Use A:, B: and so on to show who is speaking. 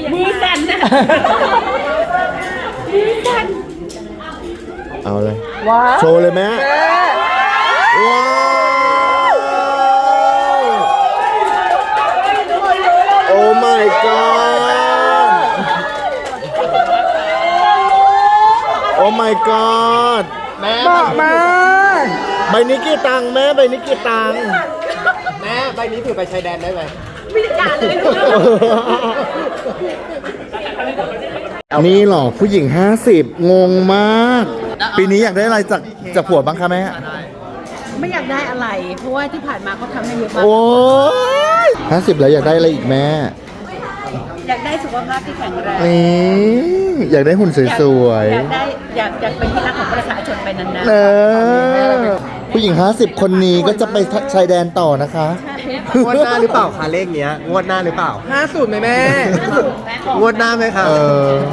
A: มือสั่นนะมือสั่น
B: เอาเลย
C: ว้าว
B: โชว์เลยแม่ว้าวโอ้ my god โอ้ my god แม่
C: บอกมา
B: ใบนี้กี่ตังค์แม่ใบนี้กี่ตังค์
D: แม่ใบนี้ถือไปชายแดนได้ไหม
A: ไม่ได้การเลย
B: นี่หรอผู้หญิง 50 งงมาก ปีนี้อยากได้อะไรจากผัวบ้างคะแม่
A: ไม่อยากได้อะไร เพราะว่าที่ผ่านมาเขาทำให้เยอะมาก
B: โอ้ย50 แล้วอยากได้อะไรอีกแม่
A: อยากได้สุขภาพที่แข็งแรง
B: นี่อยากได้หุ่นสวย
A: อยากได้อยากเป็นที่รักของประชาชนไปนาน
B: ๆเออผู้หญิง 50 คนนี้ก็จะไปชายแดนต่อนะคะ
D: งวดหน้าหรือเปล่าคะเลขเนี้ยงวดหน้าหรือเปล่า
C: 50ไหมแม่
D: งวดหน้าไหมคะ
B: เออ